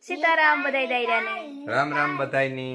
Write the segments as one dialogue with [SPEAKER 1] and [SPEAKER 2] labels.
[SPEAKER 1] सीताराम बधाई दायरानी
[SPEAKER 2] राम राम बधाईनी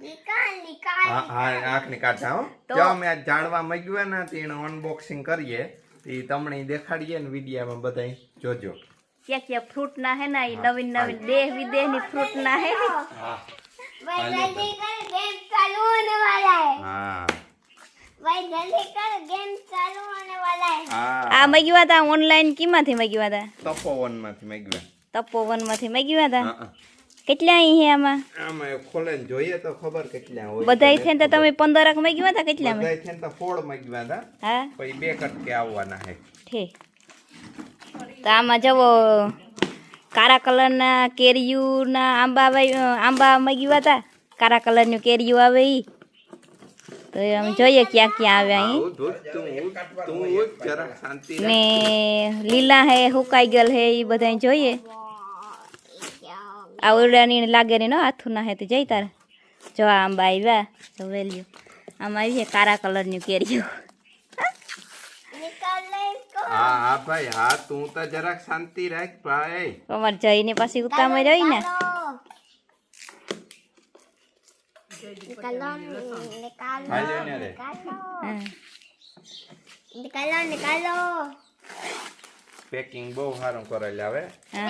[SPEAKER 2] आँखनी काढा हो जो मैं आज जाणवा मग्युं ने तेनो अनबॉक्सिंग करिए ते तमणे देखाड़िए ने विडियो में बधाई जोजो
[SPEAKER 1] क्या क्या फ्रूट ना है ना ये नवीन नवीन देश विदेश नी फ्रूट ना है
[SPEAKER 3] भाई जल्दी कर गेम चालू होने वाला है
[SPEAKER 2] हाँ
[SPEAKER 3] भाई जल्दी कर गेम चालू होने वाला है
[SPEAKER 2] हाँ
[SPEAKER 1] आ मग्युआ था ऑनलाइन कीमांथी मग्युआ था
[SPEAKER 2] तपोवन मांथी मग्युं
[SPEAKER 1] तपोवन मांथी मग्युआ था
[SPEAKER 2] हाँ
[SPEAKER 1] કેટલા અહીં હે આમાં
[SPEAKER 2] આમાં ખોલે જોઈએ તો ખબર કેટલા હોય
[SPEAKER 1] બધાય થઈને તો તમે 15 ક મગ્યુआ था કેટલા में
[SPEAKER 2] બધાય થઈને તો 4 મગ્યા હતા
[SPEAKER 1] હા
[SPEAKER 2] પછી બે કટકે આવવાના છે
[SPEAKER 1] ઠીક તો આમાં જવો કાળા કલરના કેરીયુના આંબા મગ્યુआ था કાળા કલરનું કેરીયું આવે ઈ તો આમ જોઈએ ક્યાં ક્યાં આવે અહીં
[SPEAKER 2] તું જરા શાંતિ
[SPEAKER 1] ને લીલા હે હુકાઈ ગયેલ હે ઈ બધાય જોઈએ આવડાની લાગે ને હાથું ના હે તો જઈ તારે જો આંબા આવ્યા તો વેલ્યુ આમાં આવી છે કાળા કલરનું કેરીયું
[SPEAKER 3] निकाल ले इसको
[SPEAKER 2] हाँ हाँ भाई हाँ तू तो जरा शांति रख भाई
[SPEAKER 1] અમાર જઈને પાછી ઉતામે રહી ને
[SPEAKER 3] निकालो निकालो
[SPEAKER 2] भाई लेने रे
[SPEAKER 1] હા.
[SPEAKER 3] निकालो निकालो
[SPEAKER 2] પેકિંગ બહુ સારું કરેલ આવે
[SPEAKER 1] હા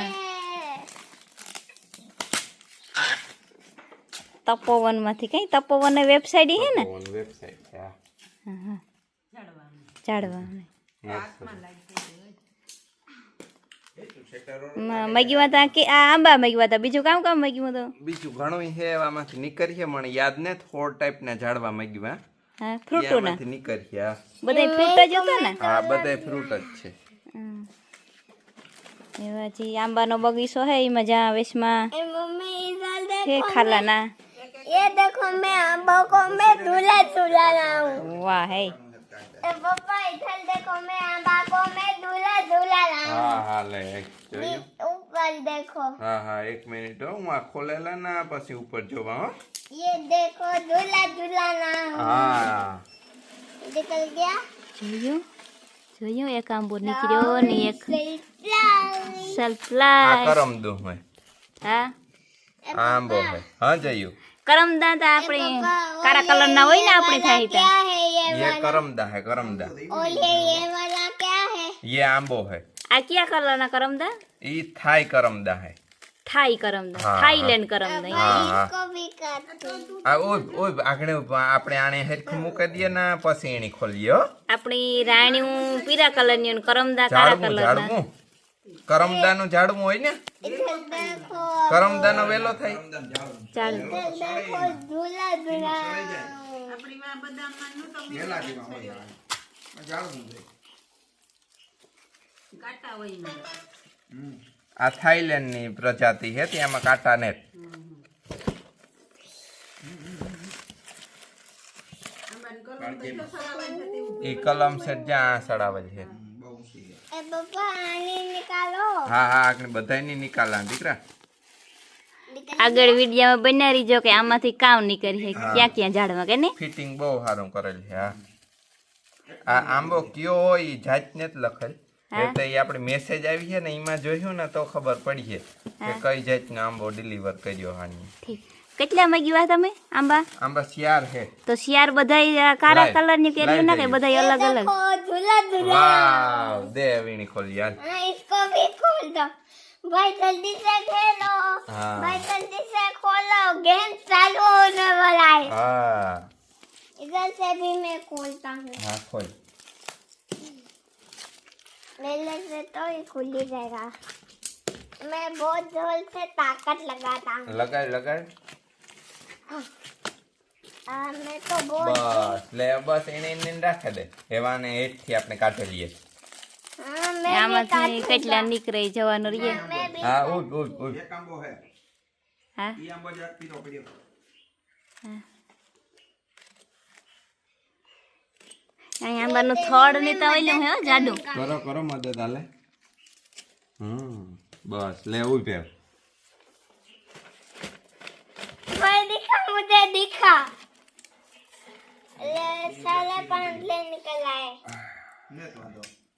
[SPEAKER 1] તપોવન માંથી કઈ તપોવન વેબસાઇટ હે ને
[SPEAKER 2] વેબસાઈટ છે
[SPEAKER 1] ચાડવા
[SPEAKER 2] મસ્ત.
[SPEAKER 1] મગ્યુआ था કે આ આંબા મગ્યુआ था બીજું કામ કામ મગ્યું તો
[SPEAKER 2] બીજું ઘણું છે એમાંથી નીકળીએ મને યાદ ને 4 ટાઈપ ના ઝાડવા મગ્યા
[SPEAKER 1] હા ફ્રૂટો ના
[SPEAKER 2] એમાંથી નીકળ્યા
[SPEAKER 1] બધાય ફ્રૂટ જ હતા ને
[SPEAKER 2] હા બધાય ફ્રૂટ જ છે
[SPEAKER 1] એવા જી આંબાનો બગીચો હે એમાં જ્યાં વેશમાં
[SPEAKER 3] ए मम्मी इधर
[SPEAKER 1] છે
[SPEAKER 3] देखो
[SPEAKER 1] ખાલાના
[SPEAKER 3] ये देखो मैं आंबों को मैं झूला झूला रहा हूँ
[SPEAKER 1] વાહ હે
[SPEAKER 3] ए पापा इधर देखो मैं आंबा को मैं झूला झूला रहा हूँ
[SPEAKER 2] હા હા લે જોયું
[SPEAKER 3] ऊपर देखो
[SPEAKER 2] હા હા એક મિનિટ હો હું આ ખોલેલા ના પછી ઉપર જોવા હો
[SPEAKER 3] ये देखो झूला झूला रहा हूँ
[SPEAKER 2] હા
[SPEAKER 3] निकल गया
[SPEAKER 1] જોયું જોયું એક આંબો નીકળ્યો ને એક
[SPEAKER 3] Surprise!
[SPEAKER 2] આ
[SPEAKER 1] સરપ્રાઈઝ
[SPEAKER 2] કરમદો હોય
[SPEAKER 1] હા
[SPEAKER 2] આંબો હોય હા જયું
[SPEAKER 1] કરમદા તા આપણે કાળા કલરના હોય ને આપણે થાય
[SPEAKER 3] क्या
[SPEAKER 1] તા
[SPEAKER 3] है
[SPEAKER 2] ये करमदा है करमदा
[SPEAKER 3] और ये वाला क्या है
[SPEAKER 2] ये आंबो है
[SPEAKER 1] આ કયા કલરના કરમદા
[SPEAKER 2] ये थाई करमदा है
[SPEAKER 1] થાઈ કરમદા
[SPEAKER 2] હા,
[SPEAKER 1] થાઈલેન્ડ કરમદા
[SPEAKER 2] हाँ हाँ
[SPEAKER 3] इसको भी काटो
[SPEAKER 2] आ ओय ओय आगणे આપણે આને હેરખી મૂકી દઈએ ને પછી એની ખોલીએ હો
[SPEAKER 1] આપણી રાણીઓ પીરા કલરની અને કરમદા કાળા
[SPEAKER 2] ઝાડવું
[SPEAKER 1] કલરના
[SPEAKER 2] ઝાડવું કરમદાનું ઝાડવું હોય ને
[SPEAKER 3] इधर देखो
[SPEAKER 2] કરમદાનો વેલો થાય
[SPEAKER 1] ચાલ
[SPEAKER 3] इधर देखो झूला झूला
[SPEAKER 2] આ થાઈલેન્ડ ની પ્રજાતિ છે ત્યાંમાં કાંટા ને એ કલમ છે જ્યાં સડાવે છે
[SPEAKER 3] ए पापा आने निकालो
[SPEAKER 2] હા હા આપણે બધાયની નિકાલા દીકરા
[SPEAKER 1] આગળ વિડીયોમાં બના રહીજો કે આમાંથી કામ નીકળી છે ક્યાં ક્યાં ઝાડવા કે ને
[SPEAKER 2] ફિટિંગ બહુ સારું કરેલ છે હા આ આંબો કયો હોય ઈ જાતને જ લખેલ એટલે એ આપણે મેસેજ આવી છે ને એમાં જોયું ને તો ખબર પડી છે કે કઈ જાતનો આંબો ડિલિવર કર્યો હાની
[SPEAKER 1] ઠીક કેટલા મગ્યા તમે આંબા
[SPEAKER 2] આંબા શિયાર છે
[SPEAKER 1] તો શિયાર બધાય કાળા કલરની કેરીઓ ના કે બધાય અલગ અલગ
[SPEAKER 3] देखो झूला झूला
[SPEAKER 2] વાવ દે વીણી ખોલી યાર
[SPEAKER 3] हाँ इसको भी खोल दो भाई जल्दी से खेलो
[SPEAKER 2] हाँ।
[SPEAKER 3] भाई जल्दी से खोलो गेम चालू होने वाला है
[SPEAKER 2] હા
[SPEAKER 3] इधर से भी मैं खोलता हूँ
[SPEAKER 2] હા ખોલ
[SPEAKER 3] मेले से तो ये खुल ही जाएगा मैं बहुत जोर से ताकत लगाता हूँ
[SPEAKER 2] લગાડ લગાડ
[SPEAKER 3] मैं तो बहुत
[SPEAKER 2] બસ લે બસ એને એને રાખે દે એવાને હેઠથી આપણે કાઢી લઈએ
[SPEAKER 3] हाँ मैं भी
[SPEAKER 1] આમાંથી
[SPEAKER 3] काटूंगा।
[SPEAKER 1] કેટલા નીકળે જવાનું રહીએ
[SPEAKER 3] मैं भी
[SPEAKER 2] હા ઉભ ઉભ ઉભ
[SPEAKER 1] હા અહીં આંબાનું થડ ને તો ઓલું હે હો, જાડું
[SPEAKER 2] કરો કરો મદદ હાલે બસ લે ઉભે
[SPEAKER 3] भाई दिखा मुझे दिखा ले साले पांडले निकल आए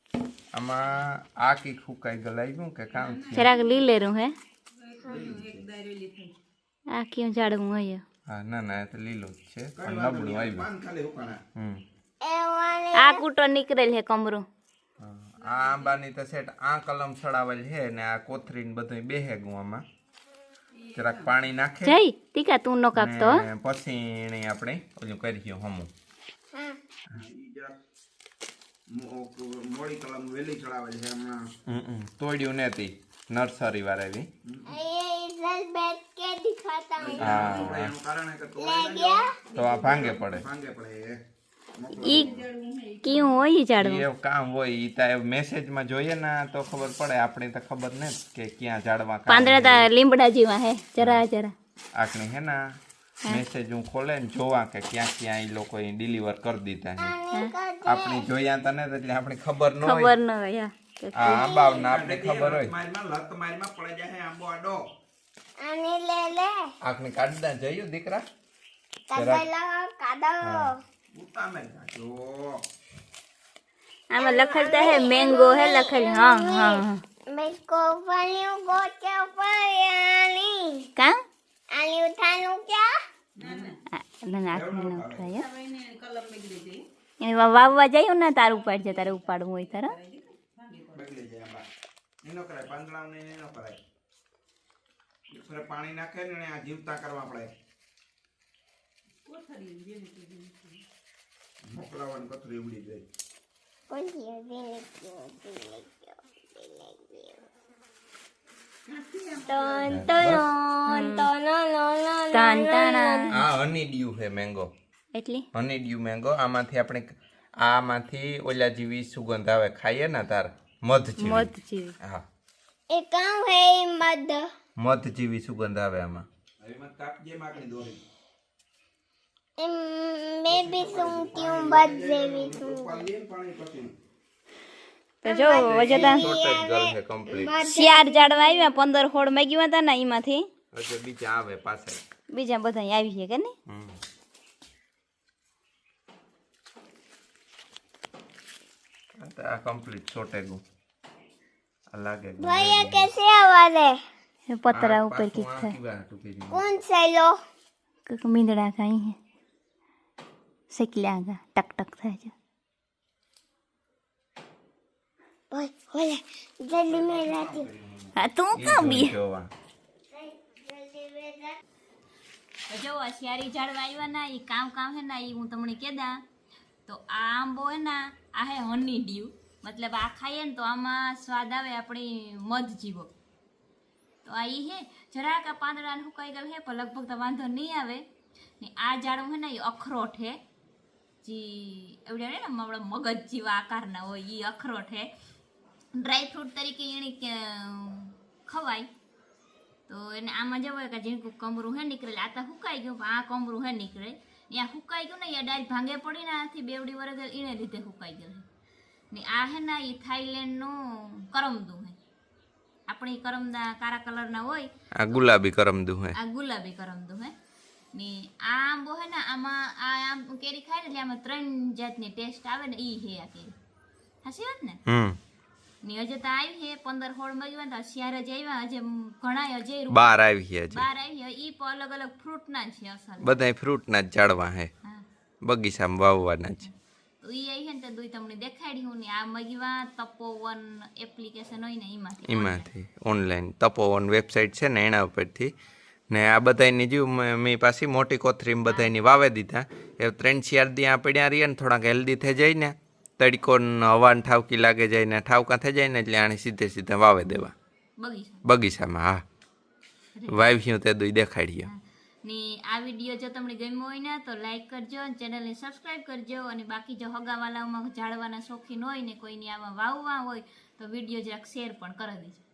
[SPEAKER 2] આમાં આ કી ફૂકાઈ ગલાવ્યું કે કામ છે
[SPEAKER 1] જરાક લીલેરું હે આ ક્યાં ઝાડવું હોય
[SPEAKER 2] હા ના ના એ તો લીલું જ છે પણ નબળું આવ્યું
[SPEAKER 1] આ કૂટો નીકળેલ હે કમરું
[SPEAKER 2] હા, આ આંબાની તો સેટ આ કલમ છડાવેલ છે ને આ કોથરીને બધું બેહે ગુવામાં જરાક પાણી નાખે
[SPEAKER 1] જઈ ટીકા તું નો કાપતો હો.
[SPEAKER 2] ને પછી એને આપણે ઓલું કરીએ હમું
[SPEAKER 4] મોડી કલમ વેલી ચડાવેલ છે હમણાં
[SPEAKER 2] તોડ્યું નથી નર્સરી વાળા
[SPEAKER 3] ये इधर बैठ के दिखाता हूँ
[SPEAKER 2] હા
[SPEAKER 4] એનું કારણ છે કે
[SPEAKER 3] ले गया
[SPEAKER 2] તો આ ભાંગે પડે
[SPEAKER 4] ભાંગે પડે
[SPEAKER 1] ઈ ક્યું હોય ઈ ઝાડવું
[SPEAKER 2] એ કામ હોય ઈ તો મેસેજમાં જોઈએ ને તો ખબર પડે આપણે તો ખબર ને કે ક્યાં ઝાડવા કામ
[SPEAKER 1] પાંદડા તા લીમડા જેવા હે જરા જરા
[SPEAKER 2] આખને હે ને મેસેજ હું ખોલે ને જોવા કે ક્યાં ક્યાં ઈ લોકો ડિલિવર કરી દીધા છે આપણે જોયા તો ને એટલે આપણે ખબર ન હોય
[SPEAKER 1] ખબર ન હોય
[SPEAKER 2] આ આંબાના આપણે ખબર હોય
[SPEAKER 4] મારમાં લત મારમાં પડે જાય આંબો આડો
[SPEAKER 3] आने ले ले
[SPEAKER 2] આખને કાઢતા જયું દીકરા
[SPEAKER 3] कादा कादा
[SPEAKER 4] ઉતામે જો
[SPEAKER 1] આમાં લખેલતા હે મેંગો હે લખેલ હા હા હા
[SPEAKER 3] मैं को फलियों को क्या फलियानी
[SPEAKER 1] કા
[SPEAKER 3] आनी उठानू क्या
[SPEAKER 1] ના આખને ન ઉઠાય એને વાવવા જાયું ને તાર ઉપાડજે તારે ઉપાડવું હોય તારે
[SPEAKER 4] બગડી જાય આંબા એનો કરાય પાંદડાને એનો કરાય ઉપર પાણી નાખે ને આ જીવતા કરવા પડે મોકલાવાની કથરી ઉડી જાય
[SPEAKER 3] कौन सी है दिल क्यों टन टन टन
[SPEAKER 1] તાન તાના
[SPEAKER 2] આ હની ડ્યુ છે મેંગો
[SPEAKER 1] એટલી
[SPEAKER 2] હની ડ્યુ મેંગો આમાંથી આપણે આમાંથી ઓલા જેવી સુગંધ આવે ખાઈએ ને તાર મધ જેવી
[SPEAKER 1] મધ જેવી
[SPEAKER 2] હા
[SPEAKER 3] ये काम है मद
[SPEAKER 2] મધ જેવી સુગંધ આવે આમાં
[SPEAKER 4] એમાં કાપજે માકડી દોરી
[SPEAKER 3] मैं भी सुनती हूँ मद जेवी सुन
[SPEAKER 4] પાલી પાણી પછી
[SPEAKER 1] તો જો વજતા
[SPEAKER 2] શોર્ટેજ ગર્લ છે કમ્પ્લીટ
[SPEAKER 1] શિયાર ઝાડવા આવ્યા 15 હોડ માગ્યા હતા ને એમાંથી
[SPEAKER 2] હજુ બીજા આવે પાછળ
[SPEAKER 1] બીજા બધા આવી છે કે ને
[SPEAKER 2] આ કમ્પ્લીટ શોર્ટેજ આ લાગે
[SPEAKER 3] भैया कैसे आवाज है
[SPEAKER 1] પતરા ઉપર કીક થાય
[SPEAKER 3] कौन से लो
[SPEAKER 1] કઈક મીંદડા કાંઈ હે શેકલ્યા ગા ટક ટક થાય છે
[SPEAKER 3] ओए ओए जल्दी में जाती हूँ
[SPEAKER 1] હા તું કાં બી
[SPEAKER 2] જોવા
[SPEAKER 3] जल्दी में जा
[SPEAKER 1] જો શિયારી ઝાડવા આવ્યા ના એ કામ કામ હે ના એ હું તમને કહેતા તો આ આંબો હે ના આ હે હની ડ્યુ મતલબ આ ખાઈએ ને તો આમાં સ્વાદ આવે આપણી મધ જીવો તો આ ઈ હે જરાક આ પાંદડા સુકાઈ ગયેલ હે પણ લગભગ તો વાંધો નહીં આવે ને આ ઝાડવું હે ને એ અખરોટ હે જી એવડે ને આપણા મગજ જેવા આકારના હોય એ અખરોટ હે ડ્રાય ફ્રૂટ તરીકે એની ખવાય તો એને આમાં જવાય કે જેનું કમરું હે નીકળે આ તો સુકાઈ ગયું પણ આ કમરું હે નીકળે ત્યાં સુકાઈ ગયું ને એ ડાયરેક્ટ ભાંગે પડીને આથી બેવડી વરસ એને લીધે સુકાઈ ગયું ને આ હે ને એ થાઈલેન્ડનું કરમદું હે આપણી કરમદા કાળા કલરના હોય
[SPEAKER 2] આ ગુલાબી કરમદું હે
[SPEAKER 1] આ ગુલાબી કરમદું હે ને આ આંબો હે ને આમાં આ આમ કેરી ખાય ને એટલે આમાં 3 જાતની ટેસ્ટ આવે ને ઈ હે આ કેરી સાચી વાત ને ને હજે તો આવી હે 15 હોળ માં તો શિયાર જ આવ્યા હજે ઘણા હજે
[SPEAKER 2] બાર આવી છે હજી
[SPEAKER 1] બાર આવી હે ઈ પણ અલગ અલગ ફ્રૂટ ના છે અસલ
[SPEAKER 2] બધાય ફ્રૂટના જ ઝાડવા હે
[SPEAKER 1] હા
[SPEAKER 2] બગીચામાં વાવવાના જ
[SPEAKER 1] તો ઈ આવી હે ને તો દુઈ તમને દેખાડી હું ને આ મગવા તપોવન એપ્લિકેશન હોય ને
[SPEAKER 2] એમાંથી ઓનલાઈન તપોવન વેબસાઇટ છે ને એના ઉપરથી ને આ બધાની જીવ મેં પાછી મોટી કોથરીમાં બધાની વાવે દીધા એ 3-4 દી આ પડ્યા રહીએ ને થોડાક હેલ્ધી થઈ જાય ને તડકો હવાને ઠાવકી લાગે જાય ને ઠાવકા થઈ જાય ને એટલે આને સીધે સીધા વાવે દેવા બગીચામાં હા વાવ્યું તે દુઈ દેખાડીએ
[SPEAKER 1] ને આ વિડીયો જો તમને ગમ્યો હોય ને તો લાઈક કરજો અને ચેનલને સબસ્ક્રાઈબ કરજો અને બાકી જો હગાવાલાઓમાં ઝાડવાના શોખીન હોય ને કોઈની આમાં વાવવા હોય તો વિડીયો જરાક શેર પણ કરી દેજો